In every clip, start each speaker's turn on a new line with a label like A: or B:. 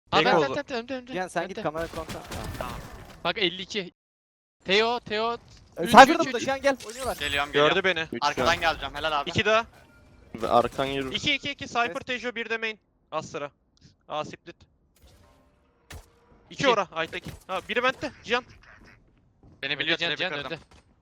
A: Aa
B: Tek oldu.
A: önde.
C: Cihan sen git
A: Önde.
C: kamera kontrol.
A: Bak 52. Teo. Üç,
C: Cypher da
A: üç,
C: burada
A: üç.
C: Cihan gel oynuyorlar.
D: Geliyorum.
B: Gördü beni.
E: 3
D: Arkadan geleceğim. Helal abi.
B: 2 daha.
E: Ve arkan yürür.
B: 2 Cypher Tejo 1 de main. Az sıra. A split. 2
A: İki.
B: ora Aytekin. Ha biri bende. Cihan.
D: Beni biliyor seni
A: Can
D: kırdım.
A: önde.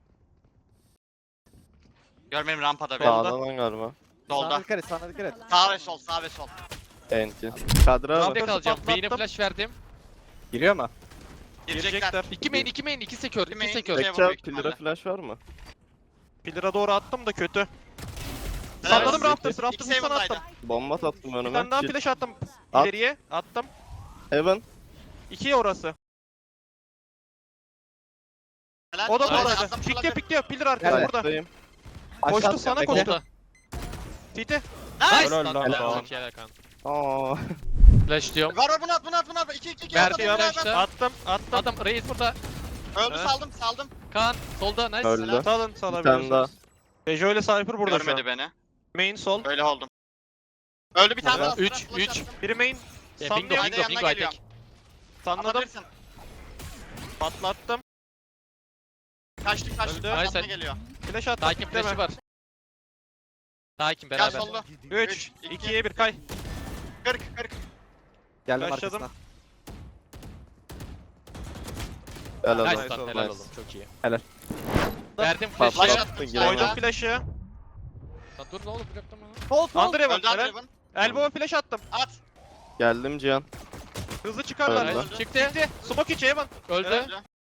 D: Görmeyeyim rampada beni.
B: Sağda.
E: Sağdan galiba.
D: Solda.
C: Sana dikkat et sana dikkat et.
D: Sağ ve sol, sağ ve sol.
E: Enti. Kadra
B: Tamam.
E: var.
A: Bekle kalacağım.
B: patlattım.
A: Beyine flash verdim.
C: Giriyor mu?
D: Girecekler.
A: 2 main 2 sekör.
D: İki
A: 2
D: main,
A: sekör.
D: iki-
E: Bekçe
D: büyük
E: pillara
D: ihtimalle.
E: flash var mı?
B: Pillar'a doğru attım da kötü.
D: Helal
B: Salladım
D: olsun.
B: Raptors.
D: İki
B: Raptors'ı sana
D: Seven'daydı.
B: attım.
E: Bomba attım
B: Bir
E: önüme.
B: tane daha
E: Shit.
B: flash attım.
E: At.
B: İleriye attım.
E: Heaven.
B: 2 orası.
D: Helal.
B: O da
D: Solda,
B: buradaydı.
D: attım,
B: Pikliyor
D: solda.
B: pikliyor. Pillar arkada burada.
E: Side'dayım.
B: Koştu
C: Aşağı
B: sana
C: bekle.
B: koştu.
A: Solda.
B: Tite.
D: Nice.
A: Nice
B: Helal
A: lan.
B: lan.
A: Helal. Çok iyi Erkan.
E: Aa.
A: Flash diyorum.
D: Var bunu at, bunu at, bunu at. 2
A: Verdi
D: atladım, beraber.
A: flash'ta.
B: Attım.
A: Adam Reis burada.
D: Öldü,
B: Evet.
D: saldım.
A: Kaan solda nice.
E: Öldü.
D: Helal.
B: Salın
E: Bir tane daha.
B: salabiliyorsunuz. Tejo ile Cypher burada şu
D: Görmedi
B: an.
D: beni.
B: Main sol.
D: Öyle oldum. Öldü bir tane
B: Helal.
D: daha.
A: Üç,
D: flash
A: üç.
D: attım.
B: Biri main.
A: Bingo
B: Sanlıyorum.
D: Hadi
A: bingo
D: yanına
A: bingo
D: geliyorum.
A: Aytek.
B: Sanladım.
D: Atabilirsin.
B: Patlattım.
D: Kaçtık.
B: Öldü.
D: Yanına
A: Nice.
D: geliyor.
B: Flash attım.
A: Takim flash'ı var. Takim
D: Gel
A: beraber.
D: solda.
B: 3, 2'ye 1 kay.
D: 40.
C: Geldim
B: Başladım.
C: arkasına.
E: Helal
A: Nice
E: olsun.
A: lan
B: olsun.
A: helal
E: Nice.
A: oğlum çok iyi.
C: Helal.
A: Verdim
D: Flash
A: flash'ı.
E: Patlattın
D: attım.
E: giremem.
B: Koydum
D: Solda.
B: flash'ı.
A: Lan dur ne olur bloklama.
C: Sol sol.
B: Andrevan
D: Öldü
B: helal.
D: Andrevan.
B: Elbow'a flash attım.
D: At.
E: Geldim Cihan.
B: Hızlı çıkarlar.
E: Öldü.
D: Öldü.
A: Çıktı.
B: Smoke içi Evan.
A: Öldü.
D: Öldü.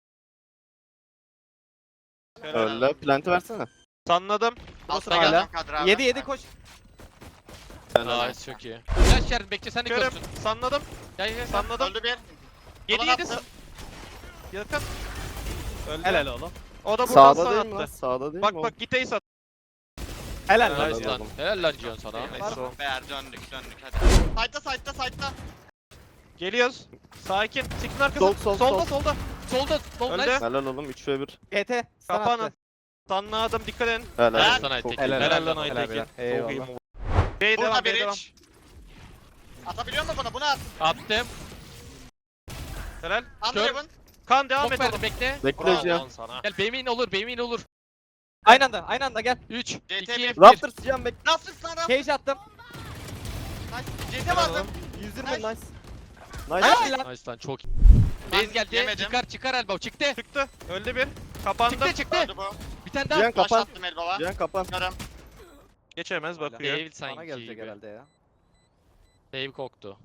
E: Öldü. Plant'i versene.
B: Sanladım.
D: Altta
C: hala.
D: geleceğim Kadir abi.
C: 7 koş.
E: Helal.
A: Nice çok iyi. Flash verdim bekle sen de
B: Körüm.
A: görsün.
B: Sanladım.
A: Gel.
B: Sanladım.
D: Öldü bir.
B: 7
D: Ulan
B: 7
D: attı.
B: yakın. Öldü.
C: Helal oğlum.
B: O da buradan
E: Sağda
B: sana
E: değil mi lan?
B: attı.
E: Sağda değil
B: Bak
E: mi?
B: bak git ace at.
C: Helal
E: Helal.
C: lan.
A: Nice lan. Helal lan Cihan sana.
B: Nice oğlum.
D: Beğer döndük hadi. Side'da.
B: Geliyoruz. Sakin. Siktin arkası.
E: Sol,
B: Solda
E: sol.
B: solda.
A: Solda. Sol
B: Öldü.
A: nice.
E: Helal oğlum 3 ve 1.
C: GT. sana
B: Kapanın.
C: attı.
B: Sanladım dikkat edin.
E: Helal.
A: Helal
E: olsun.
A: sana
E: Çok
A: Aytek.
E: iyi.
C: Helal.
B: Helal lan
C: Helal,
B: Aytekin.
C: helal.
B: Çok iyi.
C: Eyvallah.
B: Bey
D: Burada
B: devam
D: bir
B: bey devam.
D: iç. Atabiliyor musun bunu? Bunu at.
A: Attım.
B: Helal.
D: Andrevan.
B: Kan devam
A: Çok
B: et
A: verdim
B: oğlum.
A: bekle.
E: Bekle
B: Bravo
E: Cihan.
B: lan sana.
A: Gel Beymin olur Beymin olur.
C: Aynı anda gel.
A: 3, 2,
D: CT
A: 1.
E: Raptors Cihan bekle.
D: Nasıl sana?
C: Cage attım.
D: CT
B: Helal
D: vardı.
B: oğlum.
E: 120
D: Nice.
E: nice. Nice.
C: Helal lan.
A: Nice lan çok iyi.
D: Ben
A: Base geldi.
D: yemedim.
A: Çıkar elbow çıktı.
B: Çıktı. Öldü bir. Kapandı.
A: Çıktı.
D: Öldü bu.
A: Bir tane daha.
E: Cihan
D: Flash
E: kapan.
D: attım el baba.
E: Cihan kapan.
D: Görüm.
B: Geçemez bakıyor.
A: Dave
C: Sana
A: sanki
C: gelecek
A: gibi.
C: herhalde ya.
A: Dave koktu.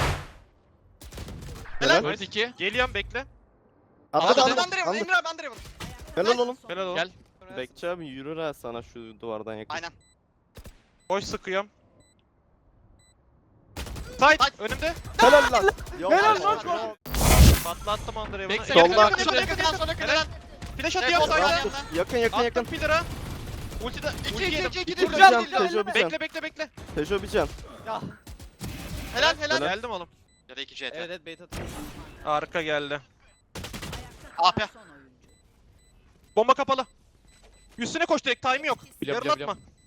E: Helal.
A: Öldü 2.
B: Geliyorum bekle.
E: Atladı
A: Atladı.
E: atladı.
D: Andrevan. Emre abi Andrevan.
E: Helal oğlum.
B: Helal oğlum.
A: Gel.
E: Bekçi abi yürür ha sana şu duvardan yakın.
D: Aynen.
B: Boş sıkıyorum. Side.
D: Side.
B: Önümde.
E: Helal lan.
C: Helal lan.
B: Patlattım Andrevan'ı.
A: Bekle,
E: Solda.
A: yakın,
D: Solda
A: yakın.
D: yakın solda yakın.
B: Helal. Flash
D: Tek
B: atıyorum
D: oldu,
B: side'a.
D: aynen.
E: Yakın yakın yakın.
B: Attım pillar'a. Ultide. Ulti yedim.
D: 2
E: Dur
C: Güzel,
E: Cihan.
C: güzel.
E: Tejo bir can.
B: Bekle.
E: Tejo bir can.
D: Helal.
B: Geldim oğlum.
D: Ya da 2 CT.
C: Evet bait atıyor.
B: Arka geldi.
D: AP.
B: Bomba kapalı. Üstüne koş direkt time yok.
A: Biliyorum,
B: Yarın
A: biliyorum,
B: atma.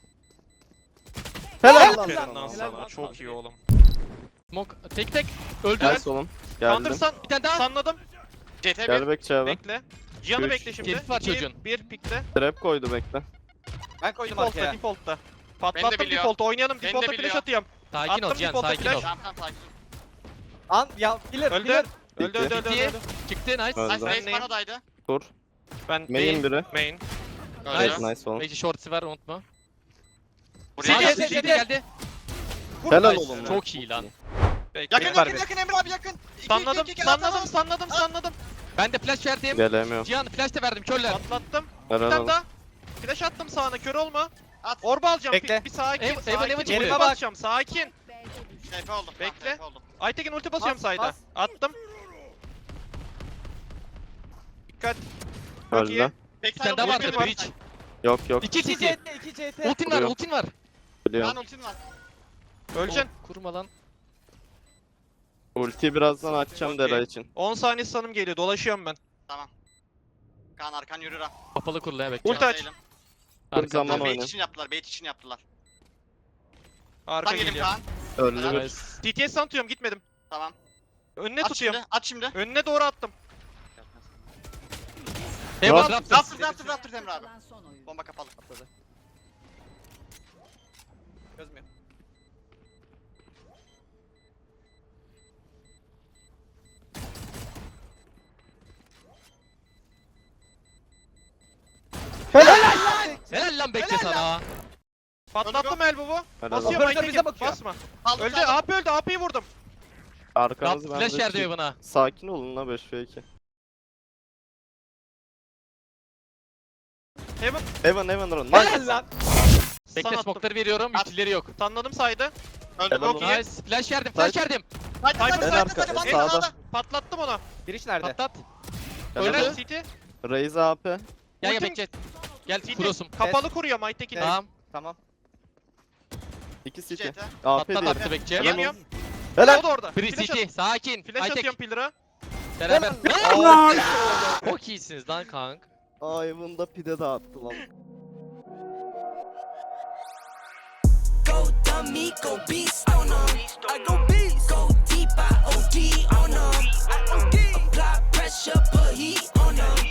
E: Helal
B: Aferin
E: lan.
B: lan
C: Helal
B: sana.
C: lan.
B: Çok iyi oğlum.
A: Smoke tek öldü.
E: Nice oğlum. Geldim.
B: Kandırsan
A: Bir tane daha.
B: sanladım.
D: CT 1.
E: Gel bekçi abi.
B: Bekle. Cihan'ı
E: Üç.
B: bekle şimdi.
A: Herif var
B: 2,
A: çocuğun.
B: 1 pikle.
E: Trap koydu bekle.
C: Ben koydum
B: Default'ta
C: arkaya.
B: default'ta.
D: Beni de
B: Patlattım
D: biliyor.
B: default oynayalım.
D: Beni de
B: Default'ta flash
D: biliyor.
B: atıyorum.
A: Sakin ol
B: Attım
A: Cihan
B: default'a
A: sakin
B: flash.
A: ol.
D: Tamam sakin.
C: An ya killer
B: Öldü.
C: killer.
B: Öldü.
A: İki.
B: öldü.
A: Çıktı nice.
E: Öldü.
D: Nice
B: Ben
D: base
B: neyim?
D: panodaydı.
E: Kur.
B: Ben
E: Main
B: değil.
E: biri.
B: Main.
E: Evet
D: Öldü.
E: nice oğlum.
A: Belki shorts'ı var unutma.
D: Buraya
A: Sağ
C: CT,
D: geldi.
A: CT
C: CT.
A: geldi.
E: Helal
A: Nice.
E: oğlum.
A: Çok iyi lan.
B: Bekle.
D: Yakın
B: Ver
D: yakın
B: bir.
D: yakın Emre abi yakın. İki,
B: Sanladım.
D: iki, iki,
B: Sanladım.
D: atalım.
B: Sanladım.
A: Ben de flash verdim.
E: Gelemiyorum.
A: Cihan flash da verdim körler.
B: Patlattım. Bir
E: Helal
B: tane
E: oğlum.
B: daha. Flash attım sağına. Kör olma.
D: At.
B: Orba alacağım.
C: Bekle.
B: Bir sakin.
A: Evan
B: Sakin.
A: çıkıyor.
B: Ulti
C: Yerime bak.
B: basacağım. Sakin.
D: TP oldum.
B: Bekle.
D: Tamam, TP oldum.
B: Aytekin ulti basıyorum
C: Bas,
B: sayda.
C: bas.
B: Attım. Dikkat. Çok iyi.
E: Öldü.
D: Backside
A: Bir tane daha
D: oldu,
A: vardı
D: bir var.
A: bridge.
E: Yok yok.
A: 2
C: 2
A: CT.
C: CT 2 CT.
A: Ultin var
E: Vuruyor.
A: ultin var.
E: Biliyorum.
D: Lan ultin var.
B: Öleceksin.
A: Kurma lan.
E: Ultiyi birazdan açacağım
B: Okey.
E: Dera için.
B: 10 saniye sanım geliyor. Dolaşıyorum ben.
D: Tamam. Kaan arkan yürür ha.
A: Kapalı kurla ya bekle.
B: Ulti aç.
D: Değilim.
E: Dur zaman
A: Arkamda.
D: Bait
E: oyna.
D: için yaptılar. Bait için yaptılar.
B: Arka
D: Tam gelim
B: geliyor.
D: Kaan.
E: Öldü
D: Helal.
E: bir.
A: Nice.
B: TTS santıyorum gitmedim.
D: Tamam.
B: Önüne
D: At
B: tutuyorum.
D: şimdi. At şimdi.
B: Önüne doğru attım.
A: Heaven
E: Yok.
A: Raptors.
D: Raptor Emre abi.
F: Kalan son oyun.
D: Bomba kapalı.
C: Atladı. Çözmüyor.
A: Helal lan bekle sana.
B: Patlattım elbow'u.
E: Helal
B: Basıyor
C: olsun.
B: Mike'e
C: Bize
B: git.
C: bakıyor.
B: Basma.
D: Aldım
B: Öldü.
D: aldım.
B: AP öldü. AP'yi vurdum.
E: Arkanız
A: Raptor
E: bende.
A: flash verdi Heaven'a.
E: Sakin olun la 5v2.
B: Heaven.
E: Evan run.
C: Helal
E: Nice.
C: lan.
B: Stun
A: Bekle
B: attım.
A: smoke'ları veriyorum.
D: At.
A: Ultileri yok.
B: Stunladım saydı.
D: Öldü.
E: Helal
D: Çok
E: olsun.
D: iyi.
A: Nice. Flash verdim. Flash verdim.
D: Saydı
B: En
D: saydı
E: arka,
D: saydı.
E: sağda.
D: Sağda.
B: Patlattım ona.
C: Giriş nerede?
A: Patlat.
E: Helal
B: Öldü.
E: olsun.
B: City.
E: Raise AP.
A: Gel gel
B: Ultim-
A: bekle. Gel
B: City.
A: kurosum.
B: Kapalı kuruyor Mike'deki.
C: Evet.
A: Tamam.
C: Tamam.
E: 2 city.
D: CT.
E: AP
A: Patlat
E: diye.
A: attı bekçe.
E: Helal
B: Yemiyorum.
E: Helal.
B: O da orada.
A: Free
B: Flash
A: City.
B: at-
A: Sakin.
B: Flash
A: High
B: atıyorum
A: tech.
B: pillar'a.
A: Beraber.
E: Aa,
A: Çok iyisiniz lan kank.
E: Ivan'da pide dağıttı lan.
G: Go dummy, go beast on 'em. I go beast. Go deep, I OD on 'em. Apply pressure, put heat on 'em.